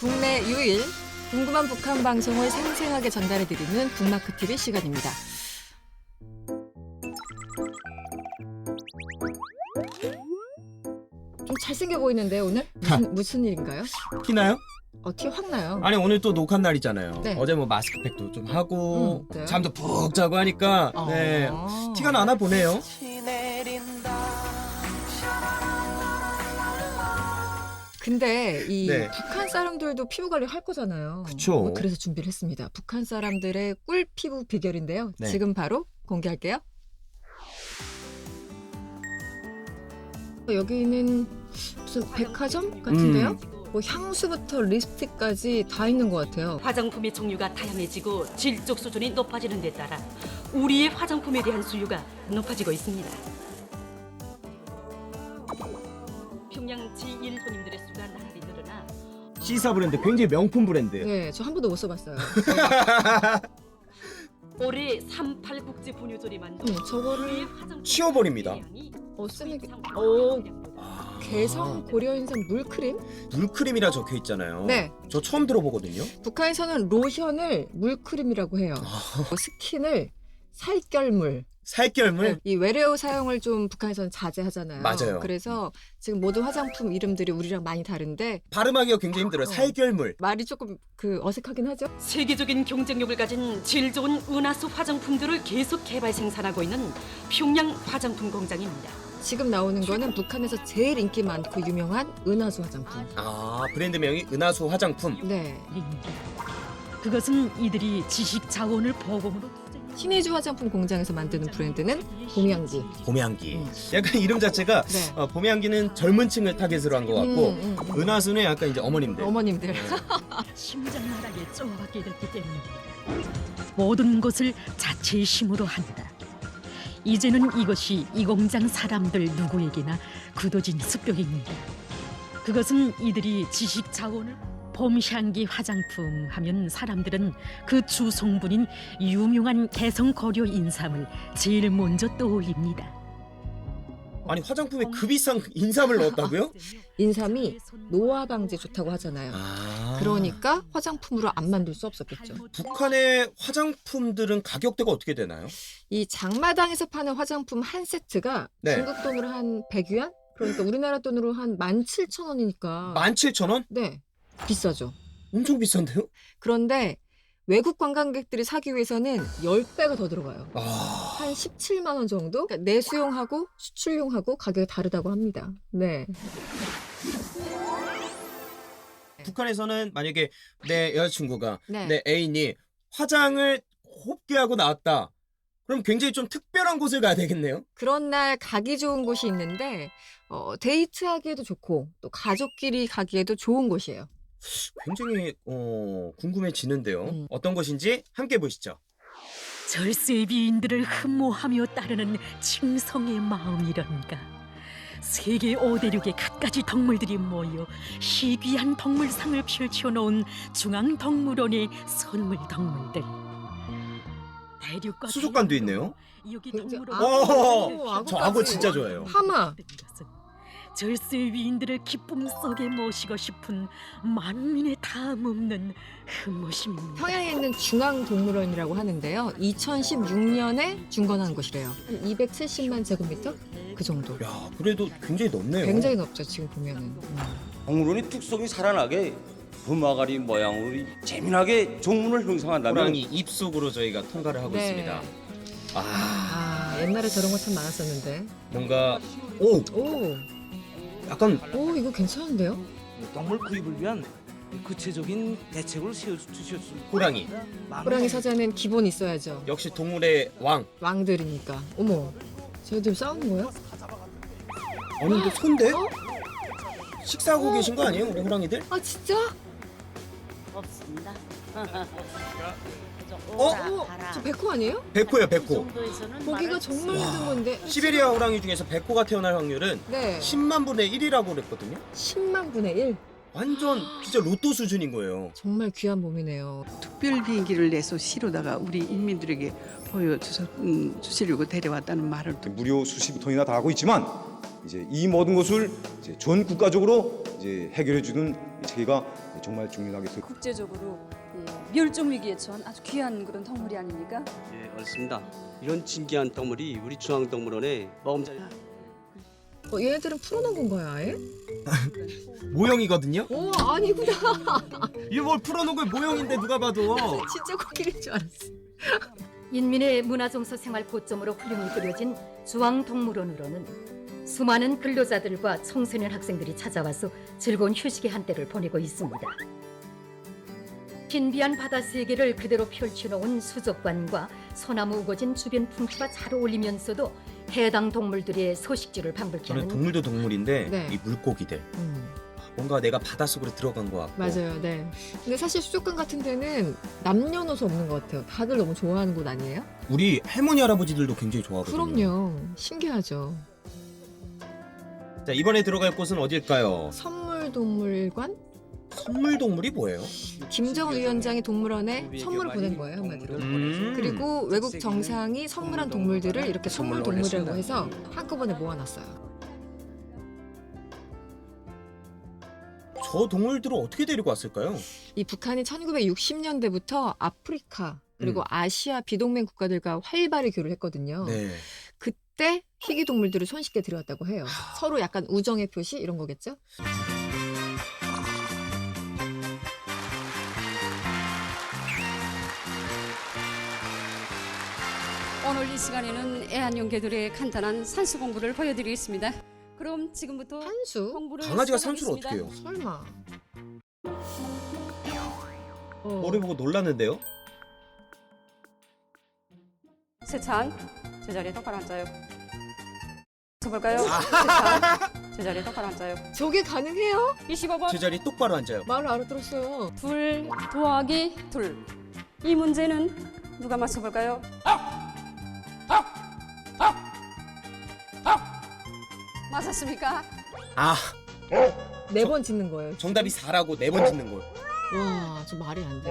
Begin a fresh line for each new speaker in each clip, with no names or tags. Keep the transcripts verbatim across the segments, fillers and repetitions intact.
국내 유일 궁금한 북한 방송을 생생하게 전달해드리는 북마크티비 시간입니다. 좀 잘생겨 보이는데 오늘? 무슨, 무슨 일인가요?
티나요?
어, 티 확 나요.
아니 오늘 또 녹화 날이잖아요.
네.
어제 뭐 마스크팩도 좀 하고
음, 네.
잠도 푹 자고 하니까
어.
네 티가 나나 보네요.
근데 이
네.
북한 사람들도 피부 관리 할 거잖아요.
그쵸.
어, 그래서 준비를 했습니다. 북한 사람들의 꿀 피부 비결인데요.
네.
지금 바로 공개할게요. 여기는 무슨 백화점 같은데요?
음.
뭐 향수부터 립스틱까지 다 있는 것 같아요.
화장품의 종류가 다양해지고 질적 수준이 높아지는 데 따라 우리의 화장품에 대한 수요가 높아지고 있습니다. 평양 지일 손님들의 수가 나날이 늘어나
시사 브랜드 굉장히 명품 브랜드예요.
네, 저 한 번도 못 써봤어요.
올해 삼팔 국제 분유절이 만든
네, 저거를
우리의 화장품
치워버립니다.
어, 쓰는 게...
오.
오,
아,
개성 고려인삼 물크림?
물크림이라 적혀 있잖아요.
네.
저 처음 들어보거든요.
북한에서는 로션을 물크림이라고 해요. 뭐 스킨을 살결물.
살결물.
이 외래어 사용을 좀 북한에서는 자제하잖아요.
맞아요.
그래서 지금 모든 화장품 이름들이 우리랑 많이 다른데
발음하기가 굉장히 힘들어요.
어.
살결물.
말이 조금 그 어색하긴 하죠.
세계적인 경쟁력을 가진 질 좋은 은하수 화장품들을 계속 개발 생산하고 있는 평양 화장품 공장입니다.
지금 나오는 거는 북한에서 제일 인기 많고 유명한 은하수 화장품.
아 브랜드명이 은하수 화장품.
네.
그것은 이들이 지식 자원을 보금으로
신의주 화장품 공장에서 만드는 브랜드는 봄향기.
봄향기.
음.
약간 이름 자체가
네.
어, 봄향기는 젊은 층을 타겟으로 한 것 같고
음, 음, 음.
은하수는 약간 이제 어머님들.
어머님들.
심장나락에 쪼아받게 됐기 때문입니다. 모든 것을 자체의 힘으로 한다. 이제는 이것이 이 공장 사람들 누구에게나 굳어진 습격입니다. 그것은 이들이 지식 자원을 봄향기 화장품 하면 사람들은 그 주 성분인 유명한 개성 고려 인삼을 제일 먼저 떠올립니다.
아니 화장품에 그 비싼 인삼을 넣었다고요?
인삼이 노화 방지에 좋다고 하잖아요.
아.
그러니까 화장품으로 안 만들 수 없었겠죠.
북한의 화장품들은 가격대가 어떻게 되나요?
이 장마당에서 파는 화장품 한 세트가
네.
중국 돈으로 한 백 위안? 그러니까 우리나라 돈으로 한 만 칠천 원이니까.
만 칠천 원?
네. 비싸죠.
엄청 비싼데요?
그런데 외국 관광객들이 사기 위해서는 십 배가 더 들어가요.
아.
한 십칠만 원 정도? 그러니까 내수용하고 수출용하고 가격이 다르다고 합니다. 네.
북한에서는 만약에 내 여자친구가
네.
내 애인이 화장을 곱게 하고 나왔다. 그럼 굉장히 좀 특별한 곳을 가야 되겠네요.
그런 날 가기 좋은 곳이 있는데 어, 데이트하기에도 좋고 또 가족끼리 가기에도 좋은 곳이에요.
굉장히 어, 궁금해지는데요.
음.
어떤 곳인지 함께 보시죠.
절세의 비인들을 흠모하며 따르는 칭성의 마음이란가. 세계 오대륙의 갖가지 덕물들이 모여 희귀한 덕물상을 펼쳐놓은 중앙덕물원의 선물 덕물들. 대륙과
수족관도 있네요.
여기
굉장히
덕물원
오,
악어,
저 악어 진짜 좋아해요.
하마.
절세의 위인들을 기쁨 속에 모시고 싶은 만민의 다음 없는 흠모심입니다.
평양에 있는 중앙동물원이라고 하는데요. 이천십육 년에 준건한 곳이래요. 한 이백칠십만 제곱미터? 그 정도.
야, 그래도 굉장히 넓네요.
굉장히 넓죠, 지금 보면은. 음.
동물원이 특성이 살아나게 범아가리 모양으로 재미나게 종문을 형성한다면
호랑이 입속으로 저희가 통과를 하고
네.
있습니다. 아,
아, 옛날에 저런 거 참 많았었는데.
뭔가 오,
오,
약간
오, 이거 괜찮은데요?
동물 구입을 위한 구체적인 대책을 세워주셨습니다.
호랑이.
호랑이 사자는 기본 있어야죠.
역시 동물의 왕.
왕들이니까. 어머, 쟤들 싸우는 거예요?
아니 근데 손대?
어?
식사하고
어.
계신 거 아니에요, 우리 호랑이들?
아, 진짜?
없습니다.
어?
어, 저 백호 아니에요?
백호예요, 백호.
보기가 정말 힘든 건데.
시베리아 호랑이 중에서 백호가 태어날 확률은
네,
십만 분의 일이라고 그랬거든요.
십만 분의 일.
완전 진짜 로또 수준인 거예요.
정말 귀한 몸이네요.
특별 비행기를 내서 시로다가 우리 인민들에게 보여주서 음, 주시려고 데려왔다는 말을
무료 수십 톤이나 다 하고 있지만 이제 이 모든 것을 이제 전 국가적으로 이제 이제 해결해 주는 체계가 정말 중요하겠어요.
국제적으로 예, 멸종 위기에 처한 아주 귀한 그런 동물이 아닙니까?
예, 맞습니다. 이런 진귀한 동물이 우리 중앙동물원에 먹음자리.
어, 얘네들은 풀어놓은 건가요, 아예?
모형이거든요.
오, 아니구나.
이게 뭘 풀어놓은 모형인데 누가 봐도.
진짜 코끼리인 줄 알았어.
인민의 문화정서 생활 고점으로 훌륭히 그려진 중앙동물원으로는 수많은 근로자들과 청소년 학생들이 찾아와서 즐거운 휴식의 한때를 보내고 있습니다. 신비한 바다 세계를 그대로 펼쳐놓은 수족관과 소나무 우거진 주변 풍수가 잘 어울리면서도 해당 동물들의 서식지를 방불케
저는
하는
동물도 동물인데
네.
이 물고기들
음,
뭔가 내가 바닷속으로 들어간 것 같고.
맞아요, 네. 근데 사실 수족관 같은 데는 남녀노소 없는 것 같아요. 다들 너무 좋아하는 곳 아니에요?
우리 할머니 할아버지들도 굉장히 좋아하거든요.
그럼요. 신기하죠.
자, 이번에 들어갈 곳은 어딜까요?
선물동물관?
선물 동물이 뭐예요?
김정은 위원장이 동물원에 선물을 보낸 거예요, 한마디로.
음.
그리고 외국 정상이 선물한 동물들을 이렇게 선물 동물이라고 해서 한꺼번에 모아놨어요.
저 동물들을 어떻게 데리고 왔을까요?
이 북한이 천구백육십 년대부터 아프리카 그리고
음.
아시아 비동맹 국가들과 활발히 교류를 했거든요.
네.
그때 희귀 동물들을 손쉽게 들여왔다고 해요. 서로 약간 우정의 표시 이런 거겠죠?
오늘 이 시간에는 애완용개들의 간단한 산수 공부를 보여드리겠습니다. 그럼 지금부터
산수?
공부를
강아지가 산수를
시작하겠습니다.
어떻게 해요?
설마. 어.
머리 보고 놀랐는데요?
세찬, 제자리에 똑바로 앉아요. 서볼까요? 세찬, 제자리에 똑바로 앉아요.
저게 가능해요?
이십오 번
제자리 똑바로 앉아요.
말을 알아들었어요.
둘 더하기 둘. 이 문제는 누가 맞춰볼까요? 맞았습니까?
아,
네 번 짓는 거예요.
정답이 사라고 네 번 짓는 걸.
와, 저 말이 안 돼.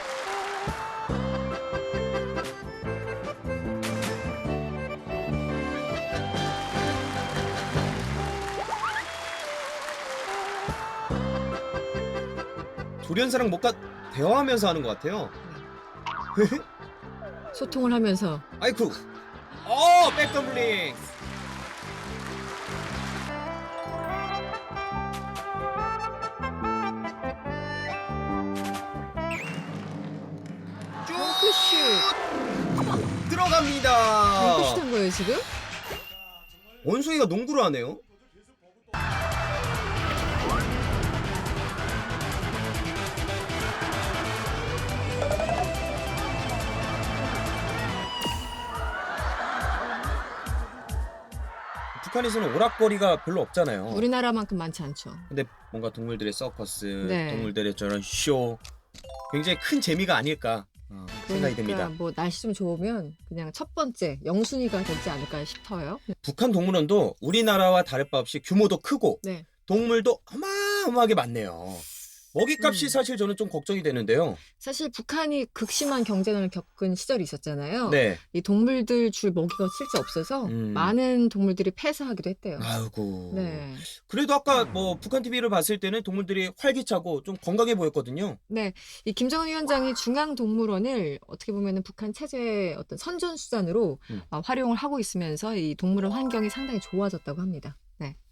조련사랑 뭔가 대화하면서 하는 것 같아요.
소통을 하면서.
아이쿠. 어, 백덤블링.
덩크슛.
들어갑니다.
덩크슛 한 거예요, 지금?
원숭이가 농구를 하네요. 북한에서는 오락거리가 별로 없잖아요.
우리나라만큼 많지 않죠.
근데 뭔가 동물들의 서커스,
네.
동물들의 저런 쇼 굉장히 큰 재미가 아닐까 어, 생각이 듭니다.
그러니까 뭐 날씨 좀 좋으면 그냥 첫 번째 영순위가 되지 않을까 싶어요.
북한 동물원도 우리나라와 다를 바 없이 규모도 크고
네.
동물도 어마어마하게 많네요. 먹이값이
음.
사실 저는 좀 걱정이 되는데요.
사실 북한이 극심한 경제난을 겪은 시절이 있었잖아요.
네.
이 동물들 줄 먹이가 실제 없어서
음.
많은 동물들이 폐사하기도 했대요.
아이고.
네.
그래도 아까 뭐 북한 티비를 봤을 때는 동물들이 활기차고 좀 건강해 보였거든요.
네, 이 김정은 위원장이 중앙동물원을 어떻게 보면은 북한 체제의 어떤 선전수단으로
음.
어, 활용을 하고 있으면서 이 동물원 환경이 상당히 좋아졌다고 합니다. 네.